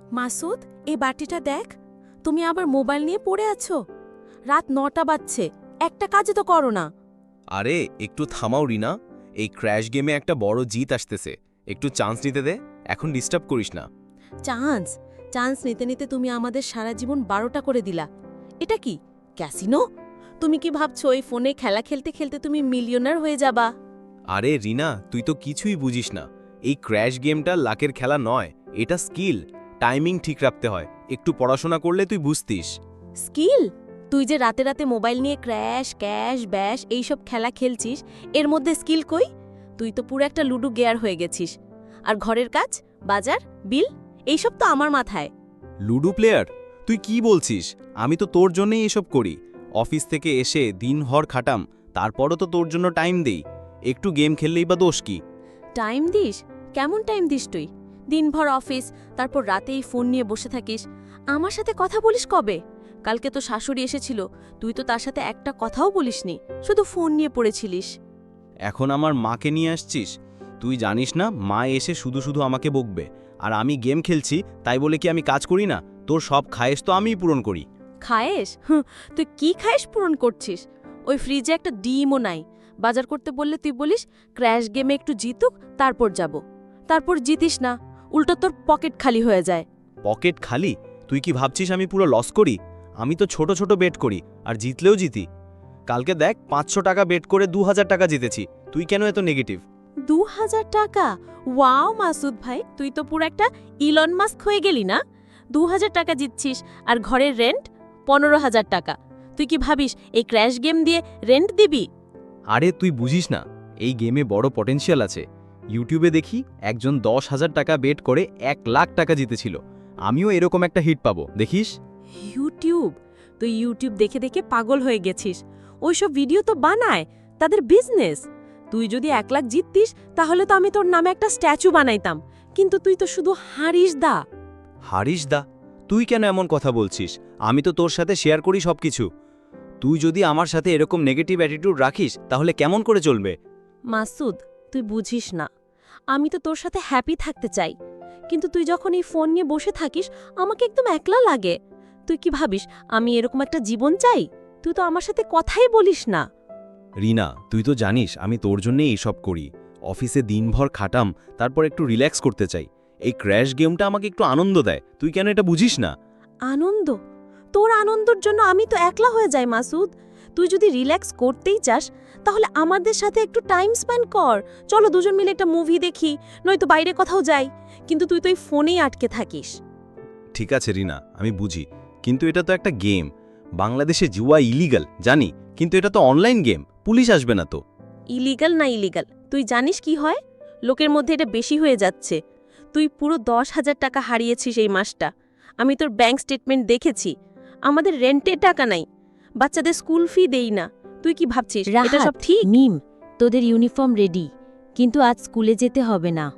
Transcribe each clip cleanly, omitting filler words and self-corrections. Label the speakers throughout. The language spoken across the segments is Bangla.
Speaker 1: মাসুদ, এই বাটিটা দেখ। তুমি আবার মোবাইল নিয়ে পড়ে আছো। রাত ৯টা বাজছে, একটা কাজে তো করো না।
Speaker 2: আরে একটু থামাও রিনা, এই ক্র্যাশ গেমে একটা বড় জিত আসতেছে, একটু চান্স নিতে দে, এখন ডিস্টার্ব করিস না।
Speaker 1: চান্স চান্স নিতে নিতে তুমি আমাদের সারা জীবন ১২টা করে দিলা। এটা কি ক্যাসিনো? তুমি কি ভাবছো এই ফোনে খেলা খেলতে খেলতে তুমি মিলিয়নার হয়ে যাবা?
Speaker 2: আরে রিনা, তুই তো কিছুই বুঝিস না। এই ক্র্যাশ গেমটা লাকের খেলা নয়, এটা স্কিল। টাইমিং ঠিক রাখতে হয়, একটু পড়াশোনা করলে তুই বুঝতিস।
Speaker 1: স্কিল? তুই যে রাতে রাতে মোবাইল নিয়ে ক্র্যাশ ক্যাশ ব্যাশ এইসব খেলা খেলছিস, এর মধ্যে স্কিল কই? তুই তো পুরো একটা লুডো গেয়ার হয়ে গেছিস। আর ঘরের কাজ, বাজার, বিল এইসব তো আমার মাথায়।
Speaker 2: Ludo player? তুই কি বলছিস? আমি তো তোর জন্যই এসব করি। অফিস থেকে এসে দিনভর খাটাম, তারপরও তো তোর জন্য টাইম দেই। একটু গেম খেললেই বা দোষ কি?
Speaker 1: টাইম দিস? কেমন টাইম দিস তুই? দিনভর অফিস, তারপর রাতেই ফোন নিয়ে বসে থাকিস। আমার সাথে কথা বলিস কবে? কালকে তো শাশুড়ি এসেছিল, তুই তো তার সাথে একটা কথাও বলিসনি, শুধু ফোন নিয়ে পড়েছিলিস।
Speaker 2: এখন আমার মাকে নিয়ে আসছিস? তুই জানিস না, মা এসে শুধু শুধু আমাকে বকবে। আর আমি গেম খেলছি তাই বলে কি আমি কাজ করি না? তোর সব খায়েশ তো আমিই পূরণ করি।
Speaker 1: খায়েশ? তুই কি খায়েশ পূরণ করছিস? ওই ফ্রিজে একটা ডিমও নাই। বাজার করতে বললে তুই বলিস ক্র্যাশ গেমে একটু জিতুক তারপর যাব। তারপর জিতিস না, উল্টো তোর পকেট খালি হয়ে যায়।
Speaker 2: পকেট খালি? তুই কি ভাবছিস আমি পুরো লস করি? আমি তো ছোট ছোট বেট করি, আর জিতলেও জিতি। কালকে দেখ, ৫০০ টাকা বেট করে ২০০০ টাকা জিতেছি। তুই কেন এত নেগেটিভ?
Speaker 1: ২,০০০ টাকা? ওয়াও মাসুদ ভাই, তুই তো পুরো একটা ইলন মাস্ক হয়ে গেলি না। ২,০০০ টাকা জিতছিস, আর ঘরের রেন্ট ১৫,০০০ টাকা। তুই কি ভাবিস এই ক্র্যাশ গেম দিয়ে রেন্ট দিবি?
Speaker 2: আরে তুই বুঝিস না, এই গেমে বড় পটেনশিয়াল আছে। ইউটিউবে দেখি একজন ১০,০০০ টাকা বেট করে ১,০০,০০০ টাকা জিতেছিল। আমিও এরকম একটা হিট পাবো, দেখিস।
Speaker 1: ইউটিউব? তুই ইউটিউব দেখে দেখে পাগল হয়ে গেছিস। ওইসব ভিডিও তো বানায়, তাদের বিজনেস। তুই যদি ১,০০,০০০ জিততিস তাহলে তো আমি তোর নামে একটা স্ট্যাচু বানাইতাম, কিন্তু তুই তো শুধু হারিস দা।
Speaker 2: হারিস দা? তুই কেন এমন কথা বলছিস? আমি তো তোর সাথে শেয়ার করি সবকিছু। তুই যদি আমার সাথে এরকম নেগেটিভ অ্যাটিটিউড রাখিস তাহলে কেমন করে চলবে?
Speaker 1: মাসুদ, তুই বুঝিস না, আমি তো তোর সাথে হ্যাপি থাকতে চাই, কিন্তু তুই যখন এই ফোন নিয়ে বসে থাকিস আমাকে একদম একলা লাগে। তুই কি ভাবিস আমি এরকম একটা জীবন চাই? তুই তো আমার সাথে কথাই বলিস না।
Speaker 2: রিনা, তুই তো জানিস আমি তোর জন্যই এইসব করি। অফিসে দিনভর খাটাম, তারপর একটু রিল্যাক্স করতে চাই। এই ক্র্যাশ গেমটা আমাকে একটু আনন্দ দেয়, তুই কেন এটা বুঝিস না?
Speaker 1: আনন্দ? তোর আনন্দর জন্য আমি তো একলা হয়ে যাই মাসুদ। তুই যদি রিল্যাক্স করতেই চাস তাহলে আমাদের সাথে একটু টাইম স্পেন্ড কর। চলো দুজন মিলে একটা মুভি দেখি, নয়তো বাইরে কোথাও যাই। কিন্তু তুই তো এই ফোনেই আটকে থাকিস।
Speaker 2: ঠিক আছে রিনা, আমি বুঝি, কিন্তু এটা তো একটা গেম। বাংলাদেশে জুয়া ইলিগাল জানি, কিন্তু এটা তো অনলাইন গেম, পুলিশ আসবে না তো।
Speaker 1: ইলিগাল না ইলিগাল, তুই জানিস কি হয়? লোকের মধ্যে এটা বেশি হয়ে যাচ্ছে। তুই পুরো ১০,০০০ টাকা হারিয়েছিস এই মাসটা। আমি তোর ব্যাংক স্টেটমেন্ট দেখেছি। আমাদের রেন্টের টাকা নাই, বাচ্চাদের স্কুল ফি দেই না। তুই কি ভাবছিস এটা সব ঠিক?
Speaker 3: মিম, তোদের ইউনিফর্ম রেডি, কিন্তু আজ স্কুলে যেতে হবে না।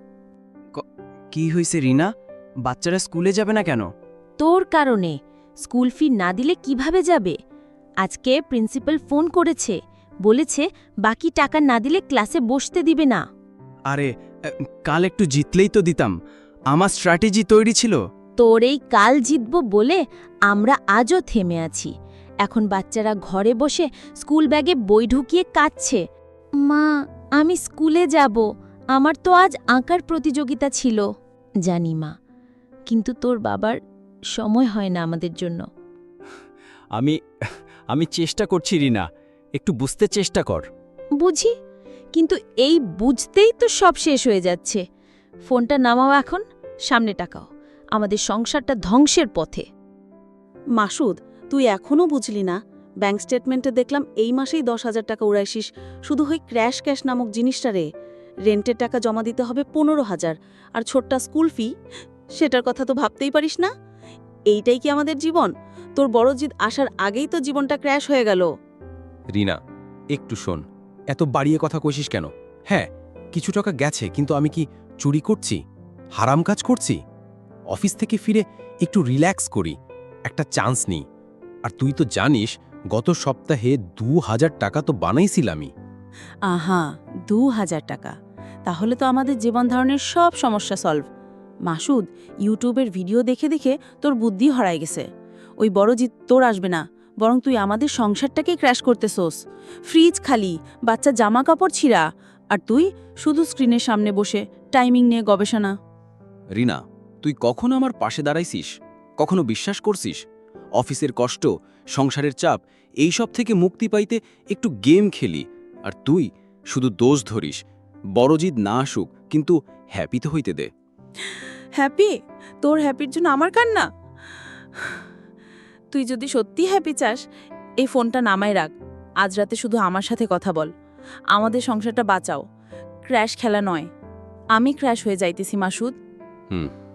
Speaker 4: কি হইছে রিনা? বাচ্চারা স্কুলে যাবে না কেন?
Speaker 3: তোর কারণে। স্কুল ফি না দিলে কিভাবে যাবে? আজকে প্রিন্সিপাল ফোন করেছে, বলেছে বাকি টাকা না দিলে ক্লাসে বসতে দিবে না।
Speaker 4: আরে কাল একটু জিতলেই তো দিতাম, আমার স্ট্র্যাটেজি তৈরি ছিল।
Speaker 3: তোর এই কাল জিতব বলে আমরা আজও থেমে আছি। এখন বাচ্চারা ঘরে বসে স্কুল ব্যাগে বই ঢুকিয়ে কাঁদছে, মা আমি স্কুলে যাব, আমার তো আজ আঁকার প্রতিযোগিতা ছিল। জানি মা, কিন্তু তোর বাবার সময় হয় না আমাদের জন্য।
Speaker 4: আমি চেষ্টা করছি রিনা, একটু বুঝতে চেষ্টা কর।
Speaker 3: বুঝি, কিন্তু এই বুঝতেই তো সব শেষ হয়ে যাচ্ছে। ফোনটা নামাও এখন, সামনে টাকাও, আমাদের সংসারটা ধ্বংসের পথে।
Speaker 1: মাসুদ, তুই এখনও বুঝলি না? ব্যাংক স্টেটমেন্টে দেখলাম এই মাসেই ১০,০০০ টাকা উড়াইছিস শুধু ওই ক্র্যাশ ক্যাশ নামক জিনিসটা রে। রেন্টের টাকা জমা দিতে হবে ১৫,০০০, আর ছোট্টা স্কুল ফি, সেটার কথা তো ভাবতেই পারিস না। এইটাই কি আমাদের জীবন? তোর বড় জিদ আসার আগেই তো জীবনটা ক্র্যাশ হয়ে গেল।
Speaker 5: রিনা, একটু শোন, এত বাড়িয়ে কথা কইছিস কেন? হ্যাঁ, কিছু টাকা গেছে, কিন্তু আমি কি চুরি করছি, হারাম কাজ করছি? অফিস থেকে ফিরে একটু রিল্যাক্স করি, একটা চান্স নিই। আর তুই তো জানিস গত সপ্তাহে ২,০০০ টাকা তো বানাইছিলামই।
Speaker 1: আহা, ২,০০০ টাকা? তাহলে তো আমাদের জীবন ধারণের সব সমস্যা সলভ। মাসুদ, ইউটিউবের ভিডিও দেখে দেখে তোর বুদ্ধি হারায় গেছে। ওই বড় জিত তোর আসবে না, বরং তুই আমাদের সংসারটাকেই ক্র্যাশ করতেছোস। ফ্রিজ খালি, বাচ্চা জামা কাপড় ছিঁড়া, আর তুই শুধু স্ক্রিনের সামনে বসে টাইমিং নিয়ে গবেষণা।
Speaker 4: রিনা, তুই কখনো আমার পাশে দাঁড়াইছিস? কখনো বিশ্বাস করছিস? অফিসের কষ্ট, সংসারের চাপ, এই সব থেকে মুক্তি পাইতে একটু গেম খেলি, আর তুই শুধু দোষ ধরিস। বড় জিদ না আসুক, কিন্তু হ্যাপি তো হইতে দে।
Speaker 1: হ্যাপি? তোর হ্যাপির জন্য আমার কান্না? তুই যদি সত্যি হ্যাপি চাস, এই ফোনটা নামায় রাখ। আজ রাতে শুধু আমার সাথে কথা বল। আমাদের সংসারটা বাঁচাও, ক্র্যাশ খেলা নয়। আমি ক্র্যাশ হয়ে যাইতেছি মাসুদ।
Speaker 5: হুম